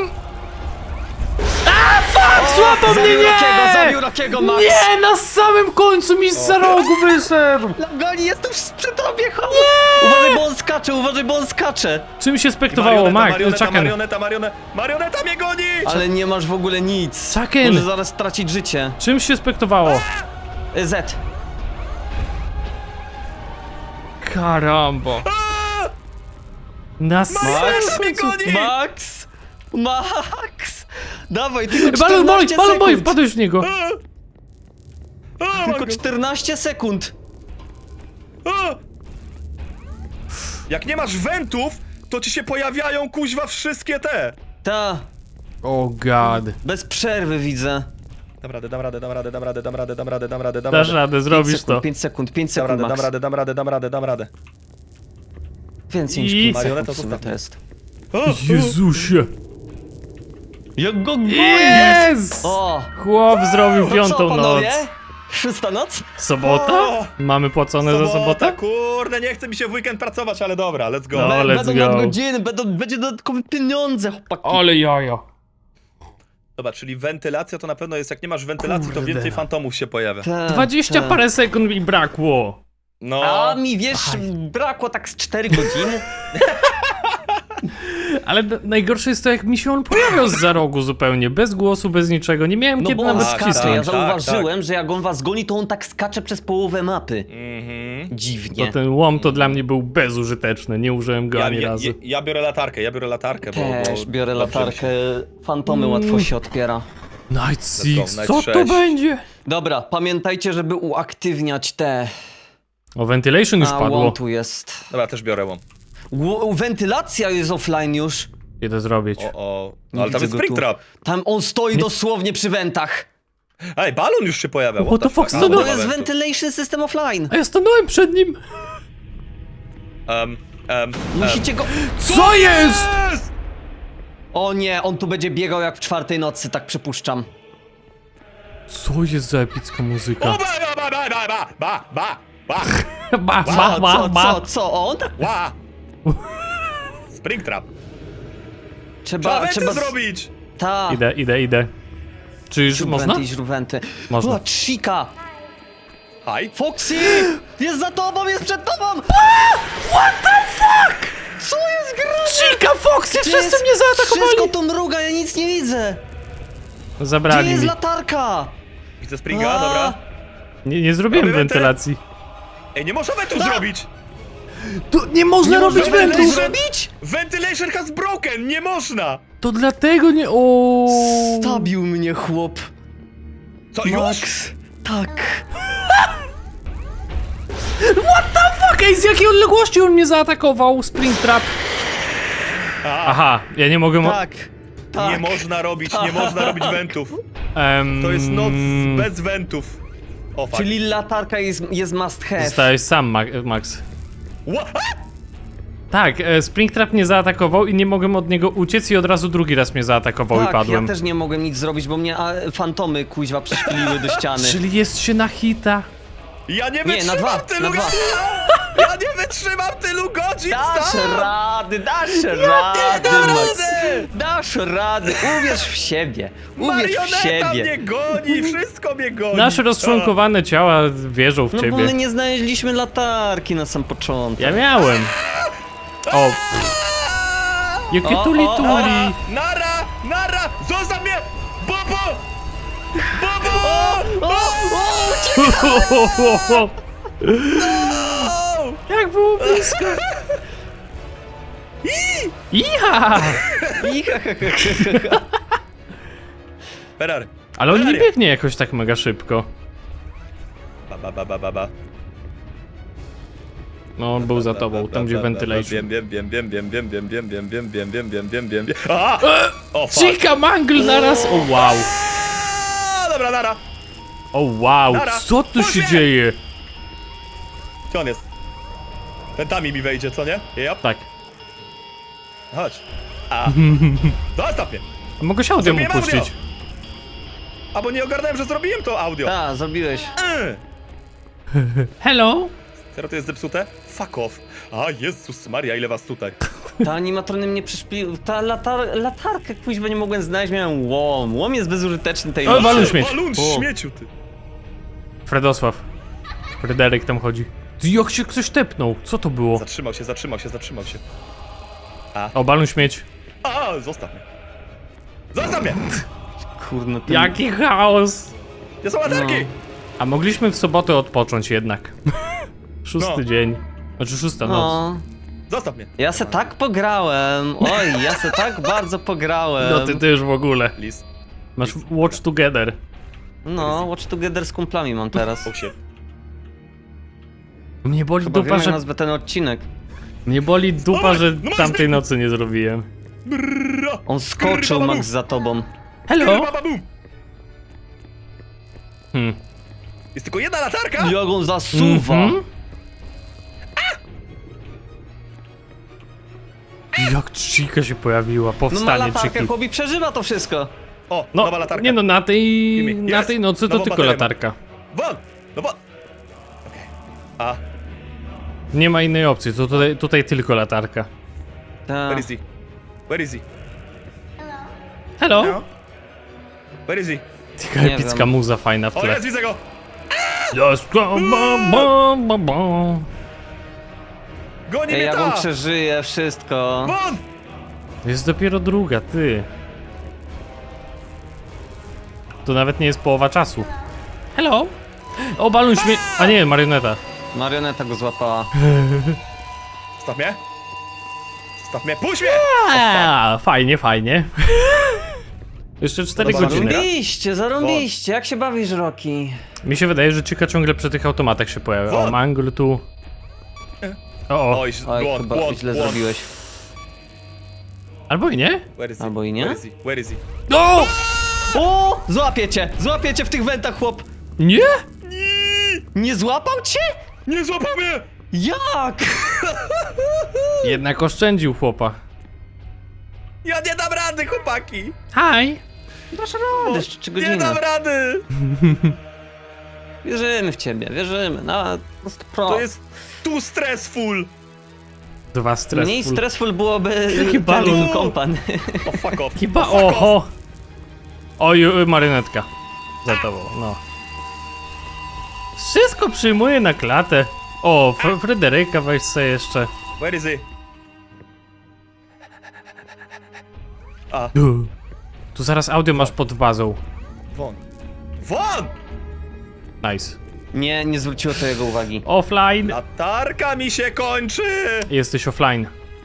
[SPEAKER 1] Złapał mnie,
[SPEAKER 2] Zabił Rockiego, Max!
[SPEAKER 1] Nie, na samym końcu mi z rogu wyszedł!
[SPEAKER 2] Goni, jestem przy tobie, chodź! Uważaj, bo on skacze!
[SPEAKER 1] Czym się spektowało, Mac? Chucken.
[SPEAKER 3] Marioneta mnie goni!
[SPEAKER 2] Ale nie masz w ogóle nic.
[SPEAKER 1] Chucken.
[SPEAKER 2] Może zaraz stracić życie.
[SPEAKER 1] Czym się spektowało?
[SPEAKER 2] Z.
[SPEAKER 1] Karamba. Nas...
[SPEAKER 3] Marioneta mnie goni!
[SPEAKER 2] Max! Dawaj, tylko
[SPEAKER 1] Balon
[SPEAKER 2] 14
[SPEAKER 1] boy,
[SPEAKER 2] sekund!
[SPEAKER 1] wpadłeś w niego.
[SPEAKER 2] Tylko 14 sekund!
[SPEAKER 3] Jak nie masz wentów, to ci się pojawiają kuźwa wszystkie te.
[SPEAKER 2] Ta,
[SPEAKER 1] Oh god.
[SPEAKER 2] bez przerwy widzę.
[SPEAKER 3] Dam radę.
[SPEAKER 1] Dasz radę, zrobisz to.
[SPEAKER 2] 5 sekund, Max.
[SPEAKER 3] Dam radę.
[SPEAKER 2] Więcej niż
[SPEAKER 1] I-
[SPEAKER 2] 5
[SPEAKER 3] Marioneta
[SPEAKER 2] sekund w sumie
[SPEAKER 3] zostaw.
[SPEAKER 2] to jest.
[SPEAKER 1] Jezusie.
[SPEAKER 2] Jak go gonisz!
[SPEAKER 1] Yes!
[SPEAKER 2] O!
[SPEAKER 1] Chłop zrobił
[SPEAKER 2] No co,
[SPEAKER 1] piątą noc.
[SPEAKER 2] panowie? 6. noc?
[SPEAKER 1] Sobota?
[SPEAKER 3] O!
[SPEAKER 1] Mamy płacone za sobotę?
[SPEAKER 3] Kurde, nie chce mi się w weekend pracować, ale dobra, let's go.
[SPEAKER 1] No, let's
[SPEAKER 2] Będą
[SPEAKER 1] go.
[SPEAKER 2] nadgodziny, będzie dodatkowe pieniądze, chłopaki.
[SPEAKER 1] Ale jajo.
[SPEAKER 3] Dobra, czyli wentylacja to na pewno jest, jak nie masz wentylacji, to
[SPEAKER 1] Kurde.
[SPEAKER 3] więcej fantomów się pojawia.
[SPEAKER 2] Tak,
[SPEAKER 1] 20
[SPEAKER 2] tak.
[SPEAKER 1] parę sekund mi brakło.
[SPEAKER 3] No,
[SPEAKER 2] A mi, wiesz, brakło tak z 4 godziny.
[SPEAKER 1] Ale najgorsze jest to, jak mi się on pojawiał za rogu zupełnie, bez głosu, bez niczego. Nie miałem
[SPEAKER 2] No
[SPEAKER 1] kiedy
[SPEAKER 2] bo on
[SPEAKER 1] nawet
[SPEAKER 3] tak,
[SPEAKER 2] skacze,
[SPEAKER 1] wcisnąć.
[SPEAKER 2] ja
[SPEAKER 3] tak,
[SPEAKER 2] zauważyłem, że jak on was goni, to on tak skacze przez połowę mapy.
[SPEAKER 3] mhm.
[SPEAKER 2] Dziwnie.
[SPEAKER 1] To ten łom to dla mnie był bezużyteczny, nie użyłem go ani razu.
[SPEAKER 3] Ja biorę latarkę,
[SPEAKER 2] Też
[SPEAKER 3] bo
[SPEAKER 2] biorę
[SPEAKER 3] dobrze mi
[SPEAKER 2] latarkę,
[SPEAKER 3] się-
[SPEAKER 2] fantomy łatwo się otwiera.
[SPEAKER 1] Night Six,
[SPEAKER 3] Night
[SPEAKER 1] co to
[SPEAKER 3] 6.
[SPEAKER 1] będzie?
[SPEAKER 2] Dobra, pamiętajcie, żeby uaktywniać te...
[SPEAKER 1] O, ventilation już
[SPEAKER 2] A,
[SPEAKER 1] padło.
[SPEAKER 2] łom tu jest.
[SPEAKER 3] Dobra, też biorę łom.
[SPEAKER 2] Wentylacja jest offline już.
[SPEAKER 1] Idę zrobić.
[SPEAKER 3] O.
[SPEAKER 2] Nie
[SPEAKER 3] No ale tam
[SPEAKER 2] widzę
[SPEAKER 3] jest
[SPEAKER 2] go tu.
[SPEAKER 3] Springtrap.
[SPEAKER 2] Tam on stoi dosłownie przy wentach.
[SPEAKER 3] Ej, balon już się pojawia.
[SPEAKER 1] What the fuck,
[SPEAKER 3] A,
[SPEAKER 1] co
[SPEAKER 3] no,
[SPEAKER 2] To
[SPEAKER 1] to
[SPEAKER 2] jest
[SPEAKER 3] eventu.
[SPEAKER 2] ventilation system offline.
[SPEAKER 1] A ja stanąłem przed nim.
[SPEAKER 2] Musicie go...
[SPEAKER 1] Co jest?
[SPEAKER 3] Yes!
[SPEAKER 2] O nie, on tu będzie biegał jak w 4 nocy, tak przypuszczam.
[SPEAKER 1] Co jest za epicka muzyka?
[SPEAKER 3] O, ba.
[SPEAKER 2] Co on?
[SPEAKER 3] Ła! Springtrap.
[SPEAKER 2] Trzeba
[SPEAKER 3] Trzeba zrobić!
[SPEAKER 2] Ta.
[SPEAKER 1] Idę. Czy już można?
[SPEAKER 2] Żrówenty.
[SPEAKER 1] Można.
[SPEAKER 2] O, Chica!
[SPEAKER 3] Hi.
[SPEAKER 2] Foxy! Jest za tobą, jest przed tobą!
[SPEAKER 1] What the fuck?
[SPEAKER 2] Co jest grane?
[SPEAKER 1] Chica, Foxy, wszyscy
[SPEAKER 2] Jest-
[SPEAKER 1] mnie zaatakowali!
[SPEAKER 2] Wszystko to mruga, ja nic nie widzę! Gdzie
[SPEAKER 1] Zabrali
[SPEAKER 2] jest
[SPEAKER 1] mi.
[SPEAKER 2] latarka?
[SPEAKER 3] Widzę Springa,
[SPEAKER 2] A.
[SPEAKER 3] dobra.
[SPEAKER 1] Nie zrobiłem
[SPEAKER 3] Robię wenty.
[SPEAKER 1] wentylacji.
[SPEAKER 3] Ej, nie można wentów zrobić!
[SPEAKER 1] Tu nie można
[SPEAKER 2] Nie
[SPEAKER 1] robić
[SPEAKER 2] można
[SPEAKER 1] wentów!
[SPEAKER 2] zrobić?
[SPEAKER 3] Ventilation has broken! Nie można!
[SPEAKER 1] To dlatego nie... O.
[SPEAKER 2] Stabił mnie chłop.
[SPEAKER 3] Co, już?
[SPEAKER 2] Max. Tak.
[SPEAKER 1] Fuck, ej, z jakiej odległości on mnie zaatakował? Springtrap. Aha, ja nie mogę...
[SPEAKER 2] Tak. Tak.
[SPEAKER 3] Nie można robić wentów. To jest noc bez wentów. O, fuck.
[SPEAKER 2] Czyli latarka jest must have.
[SPEAKER 1] Zostałeś sam, Max.
[SPEAKER 3] Ła- a!
[SPEAKER 1] Tak, Springtrap mnie zaatakował i nie mogłem od niego uciec i od razu drugi raz mnie zaatakował i
[SPEAKER 2] Tak,
[SPEAKER 1] padłem.
[SPEAKER 2] ja też nie mogłem nic zrobić, bo mnie fantomy kuźwa przyszpiliły do ściany.
[SPEAKER 1] Czyli jest się na hita.
[SPEAKER 3] Ja nie
[SPEAKER 2] Nie, na
[SPEAKER 3] wytrzymam
[SPEAKER 2] dwa,
[SPEAKER 3] tylu
[SPEAKER 2] na dwa.
[SPEAKER 3] godzin! Ja nie wytrzymam tylu godzin
[SPEAKER 2] Dasz
[SPEAKER 3] sam!
[SPEAKER 2] rady, dasz
[SPEAKER 3] dam
[SPEAKER 2] rady, Max.
[SPEAKER 3] radę!
[SPEAKER 2] Dasz rady, uwierz w siebie, uwierz w
[SPEAKER 3] Marioneta
[SPEAKER 2] siebie.
[SPEAKER 3] mnie goni, wszystko mnie goni!
[SPEAKER 1] Nasze rozczłonkowane ciała wierzą w
[SPEAKER 2] No bo my
[SPEAKER 1] ciebie.
[SPEAKER 2] nie znaleźliśmy latarki na sam początek.
[SPEAKER 1] Ja miałem. O, jakie
[SPEAKER 2] O,
[SPEAKER 1] tuli
[SPEAKER 2] o,
[SPEAKER 1] tuli.
[SPEAKER 3] Nara! Zostaw mnie! Bobo! Bobo!
[SPEAKER 2] O,
[SPEAKER 1] Jak było blisko. Iha!
[SPEAKER 3] Ferrari.
[SPEAKER 1] Ale on nie
[SPEAKER 3] Ferrari.
[SPEAKER 1] biegnie jakoś tak mega szybko.
[SPEAKER 3] Ba.
[SPEAKER 1] No, on był za tobą, tam gdzie ventilation.
[SPEAKER 3] Wiem. A! O, fuck.
[SPEAKER 1] Chica mangle naraz! O wow!
[SPEAKER 3] A, dobra, nara.
[SPEAKER 1] O wow!
[SPEAKER 3] Nara.
[SPEAKER 1] Co tu się
[SPEAKER 3] Puść mnie.
[SPEAKER 1] dzieje?
[SPEAKER 3] Gdzie on jest? Pętami mi wejdzie, co nie? Yep.
[SPEAKER 1] Tak.
[SPEAKER 3] Chodź. A. Zostaw mnie.
[SPEAKER 1] A mogę się audio mu
[SPEAKER 3] Zrobiłem
[SPEAKER 1] puścić.
[SPEAKER 3] audio. A bo nie ogarnąłem, że zrobiłem to audio.
[SPEAKER 2] Tak, zrobiłeś.
[SPEAKER 1] Hello?
[SPEAKER 3] Teraz to jest zepsute? Fuck off. A, Jezus Maria, ile was tutaj.
[SPEAKER 2] Ta animatrony mnie przyszpiliły. Ta latarkę kuźwa nie mogłem znaleźć, miałem łom. Łom jest bezużyteczny tej
[SPEAKER 1] O,
[SPEAKER 2] nocy.
[SPEAKER 1] balon śmieć.
[SPEAKER 3] Balun
[SPEAKER 1] O.
[SPEAKER 3] śmieciu, ty.
[SPEAKER 1] Fredosław. Fryderyk tam chodzi. Ty, jak się ktoś tepnął? Co to było?
[SPEAKER 3] Zatrzymał się.
[SPEAKER 1] O, balon śmieć.
[SPEAKER 3] A, zostaw mnie. Zostaw mnie!
[SPEAKER 2] Kurno, ten...
[SPEAKER 1] Jaki chaos!
[SPEAKER 3] Gdzie są latarki?
[SPEAKER 2] No.
[SPEAKER 1] A mogliśmy w sobotę odpocząć jednak. Szósty
[SPEAKER 3] No.
[SPEAKER 1] dzień. Znaczy szósta noc.
[SPEAKER 2] No.
[SPEAKER 3] Zostaw mnie.
[SPEAKER 2] Ja se tak pograłem. Oj, ja se tak bardzo pograłem.
[SPEAKER 1] No ty też w ogóle.
[SPEAKER 3] Lis.
[SPEAKER 1] Masz watch together.
[SPEAKER 2] No, Watch Together z kumplami mam teraz.
[SPEAKER 3] Oh shit.
[SPEAKER 1] Mnie boli
[SPEAKER 2] Chyba
[SPEAKER 1] dupa,
[SPEAKER 2] wiem, jak
[SPEAKER 1] że...
[SPEAKER 2] nazwę ten odcinek.
[SPEAKER 1] Mnie boli dupa, że
[SPEAKER 3] no
[SPEAKER 1] tamtej nocy nie zrobiłem.
[SPEAKER 3] Brrra.
[SPEAKER 2] On skoczył, Max, za tobą.
[SPEAKER 1] Hello?
[SPEAKER 3] Bababum. Jest tylko jedna latarka?
[SPEAKER 2] Jak on zasuwa.
[SPEAKER 1] Mhm. Jak Chica się pojawiła,
[SPEAKER 2] No ma
[SPEAKER 1] powstanie
[SPEAKER 2] latarkę,
[SPEAKER 1] Chiki.
[SPEAKER 2] chłopi przeżywa to wszystko.
[SPEAKER 3] O,
[SPEAKER 1] No,
[SPEAKER 3] nowa latarka.
[SPEAKER 1] nie no, na tej
[SPEAKER 3] Jest.
[SPEAKER 1] nocy to
[SPEAKER 3] Nową
[SPEAKER 1] tylko
[SPEAKER 3] baterię
[SPEAKER 1] latarka.
[SPEAKER 3] Won! No bo... Okej. A,
[SPEAKER 1] Nie ma innej opcji, to tutaj tylko latarka.
[SPEAKER 3] where
[SPEAKER 2] Tak.
[SPEAKER 3] is he? Where is he?
[SPEAKER 1] Hello?
[SPEAKER 3] No. Where is he?
[SPEAKER 1] Taka
[SPEAKER 2] Nie
[SPEAKER 1] epicka
[SPEAKER 2] wiem.
[SPEAKER 1] muza fajna w
[SPEAKER 3] O,
[SPEAKER 1] tle.
[SPEAKER 3] jest, widzę go!
[SPEAKER 1] Just go, ba.
[SPEAKER 3] Goni
[SPEAKER 2] Ej,
[SPEAKER 3] mnie
[SPEAKER 2] jak on
[SPEAKER 3] ta!
[SPEAKER 2] przeżyje wszystko.
[SPEAKER 3] Won!
[SPEAKER 1] Jest dopiero druga, ty. To nawet nie jest połowa czasu. Hello? O, balon śmie... A nie, marioneta.
[SPEAKER 2] Marioneta go złapała.
[SPEAKER 3] Staw mnie! Staw mnie! Puść mnie!
[SPEAKER 1] Fajnie, fajnie. Jeszcze 4
[SPEAKER 3] Podoba
[SPEAKER 1] godziny.
[SPEAKER 2] Zarąbiście. Jak się bawisz, Rocky?
[SPEAKER 1] Mi się wydaje, że Chica ciągle przy tych automatach się pojawia. O,
[SPEAKER 3] Won!
[SPEAKER 1] Mangle tu. O.
[SPEAKER 3] Oj,
[SPEAKER 2] Oj,
[SPEAKER 3] błąd,
[SPEAKER 2] chyba
[SPEAKER 3] błąd,
[SPEAKER 2] źle
[SPEAKER 3] błąd.
[SPEAKER 2] zrobiłeś.
[SPEAKER 1] Albo i nie?
[SPEAKER 3] Where is he?
[SPEAKER 2] Albo i nie?
[SPEAKER 3] Where is he? Where is he?
[SPEAKER 1] O!
[SPEAKER 2] O! Złapię cię w tych wentach, chłop!
[SPEAKER 1] Nie?
[SPEAKER 2] Nie złapał cię?
[SPEAKER 3] Nie złapał mnie!
[SPEAKER 2] Jak?
[SPEAKER 1] Jednak oszczędził chłopa.
[SPEAKER 3] Ja nie dam rady, chłopaki!
[SPEAKER 1] Hi.
[SPEAKER 2] Dasz radę, jeszcze 3
[SPEAKER 3] Nie
[SPEAKER 2] godziny.
[SPEAKER 3] dam rady!
[SPEAKER 2] Wierzymy w ciebie, wierzymy. Na 100%.
[SPEAKER 3] To jest too stressful!
[SPEAKER 1] 2 stres.
[SPEAKER 2] Mniej stressful byłoby
[SPEAKER 1] Jaki balon.
[SPEAKER 2] Little Company.
[SPEAKER 3] O, fuck off.
[SPEAKER 1] Chyba
[SPEAKER 3] fuck off.
[SPEAKER 1] oho. Oj, marionetka. Za tobą, no. Wszystko przyjmuje na klatę. O, Fryderyka weź sobie jeszcze.
[SPEAKER 3] Where is he? A,
[SPEAKER 1] Tu zaraz audio masz pod bazą.
[SPEAKER 3] won. Won!
[SPEAKER 1] Nice.
[SPEAKER 2] Nie zwróciło to jego uwagi.
[SPEAKER 1] Offline.
[SPEAKER 3] Latarka mi się kończy!
[SPEAKER 1] Jesteś offline.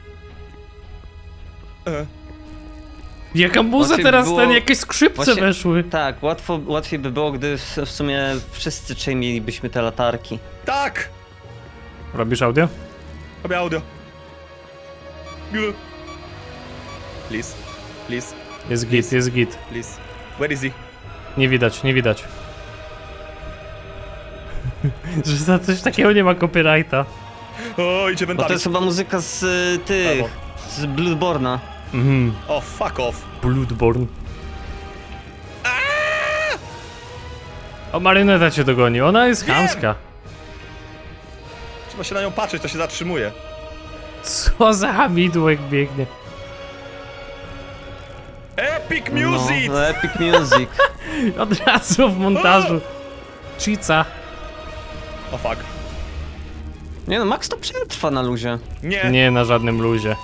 [SPEAKER 3] E,
[SPEAKER 1] Jaka muza
[SPEAKER 2] Właśnie
[SPEAKER 1] teraz,
[SPEAKER 2] było-
[SPEAKER 1] ten jakieś skrzypce
[SPEAKER 2] właśnie-
[SPEAKER 1] weszły.
[SPEAKER 2] Tak, łatwiej by było, gdy w sumie wszyscy trzej mielibyśmy te latarki.
[SPEAKER 3] tak!
[SPEAKER 1] Robisz audio?
[SPEAKER 3] Robię audio. Please, please,
[SPEAKER 1] Jest git, jest git.
[SPEAKER 3] please. Where is he?
[SPEAKER 1] Nie widać, nie widać. Że za coś takiego nie ma copyrighta.
[SPEAKER 3] O, idzie
[SPEAKER 2] Bo to
[SPEAKER 3] wentami.
[SPEAKER 2] jest chyba muzyka z tych...
[SPEAKER 3] Brawo.
[SPEAKER 2] z Bloodborne'a.
[SPEAKER 1] Mhm.
[SPEAKER 3] O, fuck off.
[SPEAKER 1] Bloodborne. O, marioneta cię dogoni, ona jest
[SPEAKER 3] Wiem!
[SPEAKER 1] chamska.
[SPEAKER 3] Trzeba się na nią patrzeć, to się zatrzymuje.
[SPEAKER 1] Co za hamidłek biegnie.
[SPEAKER 3] Epic music!
[SPEAKER 2] No, epic music.
[SPEAKER 1] Od razu w montażu. Chica.
[SPEAKER 3] O, fuck.
[SPEAKER 2] Nie no, Max to przetrwa na luzie.
[SPEAKER 3] Nie.
[SPEAKER 1] Nie na żadnym luzie.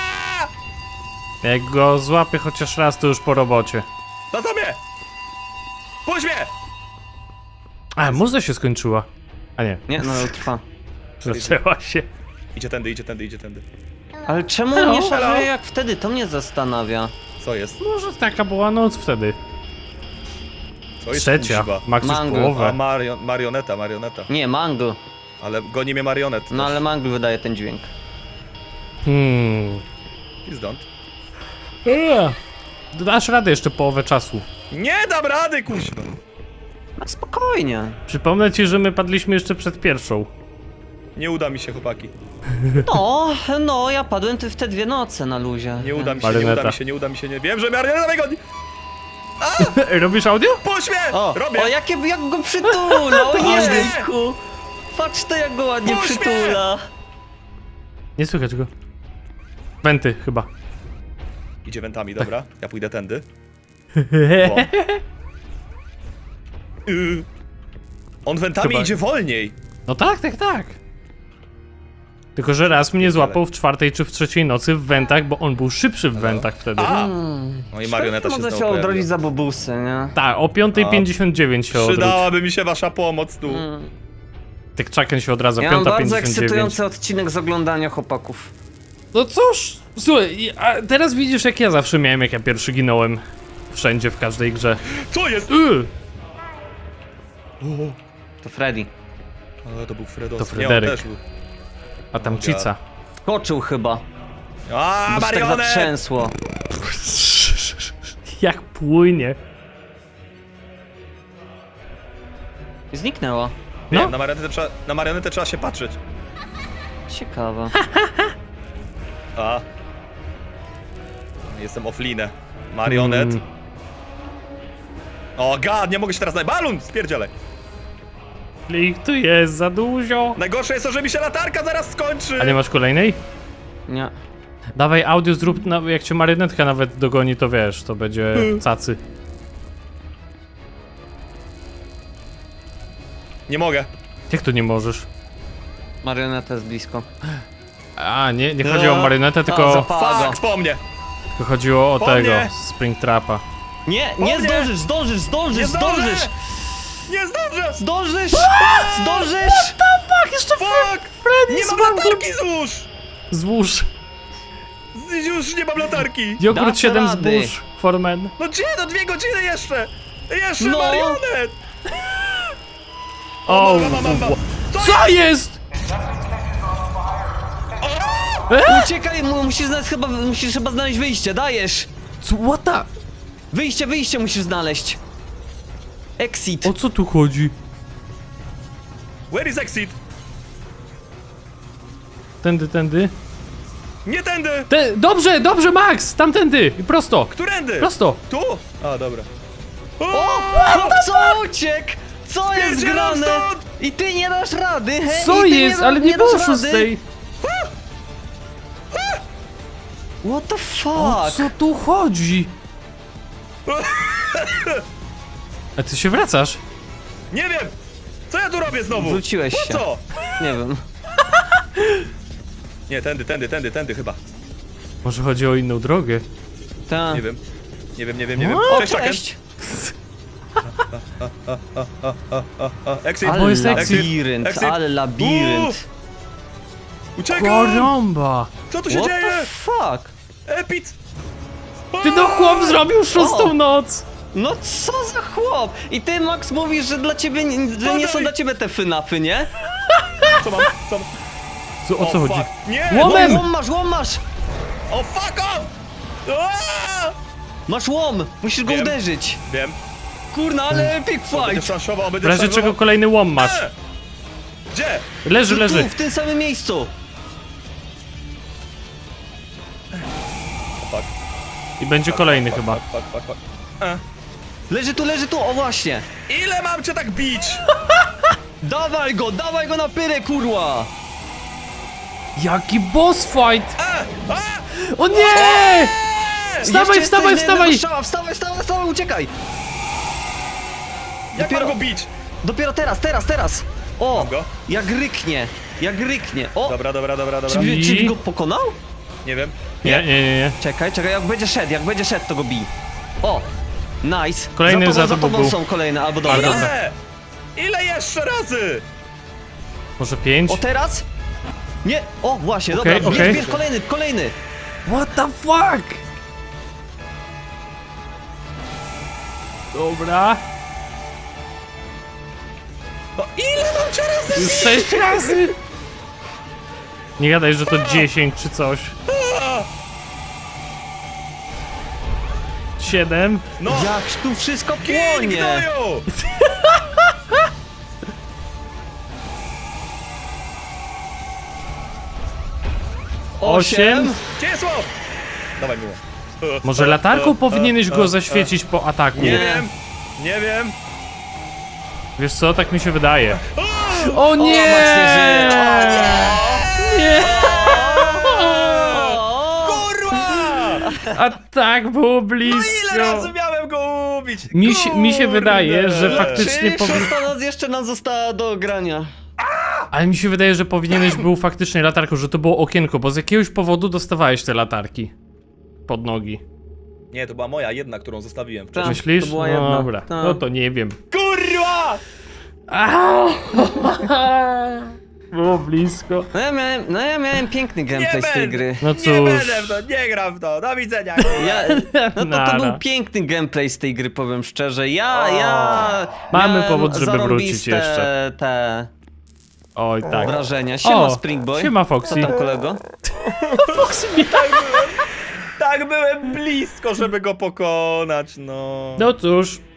[SPEAKER 1] Jak go złapię chociaż raz, to już po robocie.
[SPEAKER 3] Na tobie! Puść mnie!
[SPEAKER 1] A, muza się skończyła. A nie,
[SPEAKER 2] Nie, no trwa.
[SPEAKER 1] zaczęła się.
[SPEAKER 3] Idzie tędy, idzie tędy, idzie tędy.
[SPEAKER 2] Ale czemu
[SPEAKER 1] Hello,
[SPEAKER 2] nie
[SPEAKER 3] hello.
[SPEAKER 2] szarżuje jak wtedy? To mnie zastanawia.
[SPEAKER 3] Co jest?
[SPEAKER 1] Może taka była noc wtedy.
[SPEAKER 3] Co jest
[SPEAKER 1] Trzecia.
[SPEAKER 3] kuźwa?
[SPEAKER 1] Max już
[SPEAKER 2] Mango.
[SPEAKER 3] A,
[SPEAKER 1] połowę.
[SPEAKER 3] marioneta, marioneta.
[SPEAKER 2] Nie, Mangle.
[SPEAKER 3] Ale goni mnie marionet.
[SPEAKER 2] No
[SPEAKER 3] też.
[SPEAKER 2] ale Mangle wydaje ten dźwięk.
[SPEAKER 3] Please don't.
[SPEAKER 1] Dasz radę jeszcze połowę czasu.
[SPEAKER 3] Nie dam rady, kuźwa!
[SPEAKER 2] No spokojnie.
[SPEAKER 1] Przypomnę ci, że my padliśmy jeszcze przed pierwszą.
[SPEAKER 3] Nie uda mi się, chłopaki.
[SPEAKER 2] No, ja padłem w te 2 noce na luzie.
[SPEAKER 3] Nie uda mi się, nie
[SPEAKER 1] Marioneta.
[SPEAKER 3] uda mi się, nie uda mi się, nie. Wiem, że marioneta mnie goni!
[SPEAKER 1] Robisz audio?
[SPEAKER 3] Puść mnie!
[SPEAKER 2] O,
[SPEAKER 3] Robię!
[SPEAKER 2] o jak go przytula, o
[SPEAKER 3] Puść mnie!
[SPEAKER 2] jejku. Patrz to jak go ładnie
[SPEAKER 3] Puść mnie!
[SPEAKER 2] przytula.
[SPEAKER 1] Nie słychać go. Wenty chyba.
[SPEAKER 3] Idzie wentami, dobra. Ja pójdę tędy. O. On wentami
[SPEAKER 1] Chyba-
[SPEAKER 3] idzie wolniej.
[SPEAKER 1] No tak, tak, tak. Tylko, że raz mnie złapał w 4 czy w 3 nocy w wentach, bo on był szybszy w wentach wtedy.
[SPEAKER 3] A! No i marioneta się
[SPEAKER 2] Można
[SPEAKER 3] znowu
[SPEAKER 2] się odrodzić
[SPEAKER 3] pojawiła.
[SPEAKER 2] za bobusy, nie?
[SPEAKER 1] Tak, o 5:59 się odwróć.
[SPEAKER 3] Przydałaby mi się wasza pomoc tu.
[SPEAKER 1] Tak czaken się odradza,
[SPEAKER 2] Ja mam bardzo
[SPEAKER 1] 5:59.
[SPEAKER 2] ekscytujący odcinek z oglądania chłopaków.
[SPEAKER 1] No cóż, słuchaj, a teraz widzisz jak ja zawsze miałem, jak ja pierwszy ginąłem. Wszędzie, w każdej grze.
[SPEAKER 3] Co jest?
[SPEAKER 2] To Freddy.
[SPEAKER 3] Ale to był Fredos.
[SPEAKER 1] To Fryderyk.
[SPEAKER 3] Nie, on też był.
[SPEAKER 1] A tam
[SPEAKER 3] God.
[SPEAKER 1] Cica.
[SPEAKER 2] Skoczył chyba.
[SPEAKER 3] A,
[SPEAKER 2] Bo się tak
[SPEAKER 3] marionet!
[SPEAKER 2] zatrzęsło.
[SPEAKER 1] Jak płynie.
[SPEAKER 2] I zniknęło.
[SPEAKER 3] Nie,
[SPEAKER 1] No.
[SPEAKER 3] na marionetę trzeba się patrzeć.
[SPEAKER 2] Ciekawe.
[SPEAKER 3] A. Jestem offline. Marionet. O god, nie mogę się teraz znaleźć. Balun! Spierdzielaj.
[SPEAKER 1] Klik tu jest za dużo.
[SPEAKER 3] Najgorsze jest to, że mi się latarka zaraz skończy.
[SPEAKER 1] A nie masz kolejnej?
[SPEAKER 2] Nie.
[SPEAKER 1] Dawaj audio zrób, jak cię marionetka nawet dogoni, to wiesz, to będzie cacy.
[SPEAKER 3] Nie mogę.
[SPEAKER 1] Jak to nie możesz?
[SPEAKER 2] Marioneta jest blisko.
[SPEAKER 1] A, nie chodziło o marionetę, tylko,
[SPEAKER 2] zapała go.
[SPEAKER 3] Fuck, po mnie.
[SPEAKER 1] tylko chodziło o
[SPEAKER 3] Po
[SPEAKER 1] tego,
[SPEAKER 3] mnie.
[SPEAKER 1] Springtrapa.
[SPEAKER 2] Nie
[SPEAKER 3] mnie.
[SPEAKER 2] zdążysz!
[SPEAKER 3] Nie zdążę! Nie zdążę!
[SPEAKER 2] Zdążysz! Zdążysz!
[SPEAKER 1] Tak, jeszcze
[SPEAKER 3] Fuck!
[SPEAKER 1] Freddy
[SPEAKER 3] Nie mam latarki złóż!
[SPEAKER 1] Złóż.
[SPEAKER 3] Już nie mam latarki.
[SPEAKER 1] Jogurt
[SPEAKER 2] Dasz
[SPEAKER 1] 7
[SPEAKER 2] rady.
[SPEAKER 1] zbóż, Formen.
[SPEAKER 3] No gdzie? No 2 godziny jeszcze! Jeszcze
[SPEAKER 2] No.
[SPEAKER 3] marionet!
[SPEAKER 1] O,
[SPEAKER 3] Mam.
[SPEAKER 1] co jest?
[SPEAKER 2] Uciekaj, musisz chyba znaleźć wyjście, dajesz!
[SPEAKER 1] Co, what the?
[SPEAKER 2] Wyjście musisz znaleźć. Exit.
[SPEAKER 1] O co tu chodzi?
[SPEAKER 3] Where is exit?
[SPEAKER 1] Tędy.
[SPEAKER 3] Nie tędy!
[SPEAKER 1] Dobrze, Max! Tamtędy! Prosto!
[SPEAKER 3] Którędy?
[SPEAKER 1] Prosto!
[SPEAKER 3] Tu? A, dobra.
[SPEAKER 2] Co uciekł? Co jest
[SPEAKER 3] Spierdzielam
[SPEAKER 2] grane?
[SPEAKER 3] stąd!
[SPEAKER 2] I ty nie dasz rady, he?
[SPEAKER 1] Co
[SPEAKER 2] I ty
[SPEAKER 1] jest? Ale nie
[SPEAKER 2] dasz
[SPEAKER 1] było
[SPEAKER 2] rady?
[SPEAKER 1] szóstej!
[SPEAKER 2] What the
[SPEAKER 1] O
[SPEAKER 2] fuck?
[SPEAKER 1] co tu chodzi? A ty się wracasz?
[SPEAKER 3] Nie wiem! Co ja tu robię znowu?
[SPEAKER 2] Wróciłeś
[SPEAKER 3] Po
[SPEAKER 2] się.
[SPEAKER 3] co?
[SPEAKER 2] Nie wiem.
[SPEAKER 3] Nie, tędy chyba.
[SPEAKER 1] Może chodzi o inną drogę?
[SPEAKER 2] Ta.
[SPEAKER 3] Nie wiem. Nie wiem.
[SPEAKER 2] O,
[SPEAKER 3] Cześć, Chucken.
[SPEAKER 2] cześć!
[SPEAKER 3] Exit.
[SPEAKER 1] Bo
[SPEAKER 2] Ale
[SPEAKER 1] jest exit.
[SPEAKER 2] labirynt,
[SPEAKER 3] Exit.
[SPEAKER 2] ale labirynt.
[SPEAKER 3] Uciekam!
[SPEAKER 1] Karamba!
[SPEAKER 3] Co tu się
[SPEAKER 2] What
[SPEAKER 3] dzieje?
[SPEAKER 2] the fuck?
[SPEAKER 3] Epit!
[SPEAKER 1] Ty no chłop zrobił szóstą
[SPEAKER 2] O!
[SPEAKER 1] noc!
[SPEAKER 2] No co za chłop? I ty, Max, mówisz, że dla ciebie, że nie są dla ciebie te fynafy, nie?
[SPEAKER 3] Co mam?
[SPEAKER 1] Co, o co chodzi?
[SPEAKER 3] Fuck. Nie!
[SPEAKER 1] Łomem!
[SPEAKER 2] Łom masz!
[SPEAKER 3] O fuck off! Aaa!
[SPEAKER 2] Masz łom! Musisz go
[SPEAKER 3] Wiem.
[SPEAKER 2] uderzyć!
[SPEAKER 3] Wiem.
[SPEAKER 2] Kurna, ale epic
[SPEAKER 3] Będę
[SPEAKER 2] fight!
[SPEAKER 3] szanszował,
[SPEAKER 1] W
[SPEAKER 3] będę
[SPEAKER 1] razie
[SPEAKER 3] szanszował.
[SPEAKER 1] czego kolejny łom masz.
[SPEAKER 3] Gdzie?
[SPEAKER 1] Leży.
[SPEAKER 2] Tu, w tym samym miejscu!
[SPEAKER 3] Fuck.
[SPEAKER 1] I będzie kolejny chyba.
[SPEAKER 3] Fuck.
[SPEAKER 2] Leży tu, o właśnie!
[SPEAKER 3] Ile mam cię tak bić?
[SPEAKER 2] Dawaj go na pyrę, kurwa!
[SPEAKER 1] Jaki boss fight!
[SPEAKER 3] A!
[SPEAKER 1] O nie! Wstawaj,
[SPEAKER 2] Jeszcze
[SPEAKER 1] wstawaj,
[SPEAKER 2] jesteś na jednego
[SPEAKER 1] wstawaj!
[SPEAKER 2] strzała, wstawaj, uciekaj!
[SPEAKER 3] Jak
[SPEAKER 2] Dopiero-
[SPEAKER 3] mam go bić?
[SPEAKER 2] Dopiero teraz! O!
[SPEAKER 3] Mam go?
[SPEAKER 2] Jak ryknie! O!
[SPEAKER 3] Dobra.
[SPEAKER 2] Czy go pokonał?
[SPEAKER 3] Nie wiem.
[SPEAKER 1] Nie.
[SPEAKER 2] Czekaj, jak będzie szedł, to go bij. O! Nice!
[SPEAKER 1] Kolejny za
[SPEAKER 2] za
[SPEAKER 1] tobą
[SPEAKER 2] tobą
[SPEAKER 1] był.
[SPEAKER 2] są kolejne, albo dobra.
[SPEAKER 3] Ile jeszcze razy?
[SPEAKER 1] Może 5?
[SPEAKER 2] O teraz? Nie! O, właśnie,
[SPEAKER 1] Okej,
[SPEAKER 2] dobra,
[SPEAKER 1] okej.
[SPEAKER 2] bierz kolejny!
[SPEAKER 1] What the fuck? Dobra.
[SPEAKER 3] No ile mam cię razy?
[SPEAKER 1] Już 6 razy. Nie gadaj, że to 10 czy coś. 7.
[SPEAKER 3] No!
[SPEAKER 2] Jak tu wszystko
[SPEAKER 3] Gin,
[SPEAKER 2] płonie!
[SPEAKER 3] gnoju!
[SPEAKER 1] Osiem.
[SPEAKER 3] Gdzie jest łop? Dawaj miło.
[SPEAKER 1] Może latarką powinieneś go zaświecić po ataku.
[SPEAKER 3] Nie wiem.
[SPEAKER 1] Wiesz co, tak mi się wydaje. O nie!
[SPEAKER 2] Max nie żyje.
[SPEAKER 1] Nie!
[SPEAKER 3] Kurwa!
[SPEAKER 1] A tak było
[SPEAKER 3] Ile
[SPEAKER 1] blisko.
[SPEAKER 3] razy miałem go ubić?
[SPEAKER 1] Mi się wydaje, że faktycznie
[SPEAKER 2] Czyli
[SPEAKER 1] powinien...
[SPEAKER 2] szósta noc jeszcze nam została do grania.
[SPEAKER 1] Ale mi się wydaje, że powinieneś był faktycznie latarką, że to było okienko, bo z jakiegoś powodu dostawałeś te latarki pod nogi.
[SPEAKER 3] Nie, to była moja jedna, którą zostawiłem
[SPEAKER 2] Tak,
[SPEAKER 3] wcześniej.
[SPEAKER 1] Myślisz?
[SPEAKER 2] to była
[SPEAKER 1] No
[SPEAKER 2] jedna.
[SPEAKER 1] dobra,
[SPEAKER 2] Tak.
[SPEAKER 1] no to nie wiem.
[SPEAKER 3] Kurwa!
[SPEAKER 1] Było blisko.
[SPEAKER 2] No ja miałem piękny gameplay z tej gry.
[SPEAKER 1] No
[SPEAKER 3] Nie
[SPEAKER 1] cóż.
[SPEAKER 3] będę w to, nie gram w to, do widzenia.
[SPEAKER 2] No to
[SPEAKER 1] Nara.
[SPEAKER 2] był piękny gameplay z tej gry, powiem szczerze. Ja
[SPEAKER 1] Mamy
[SPEAKER 2] miałem
[SPEAKER 1] powód, żeby wrócić
[SPEAKER 2] zarąbiste
[SPEAKER 1] jeszcze.
[SPEAKER 2] te
[SPEAKER 1] Oj, tak.
[SPEAKER 2] wrażenia. Siema,
[SPEAKER 1] O,
[SPEAKER 2] Springboy.
[SPEAKER 1] siema, Foxy.
[SPEAKER 2] Co tam, kolego?
[SPEAKER 3] Tak byłem blisko, żeby go pokonać, no.
[SPEAKER 1] No cóż,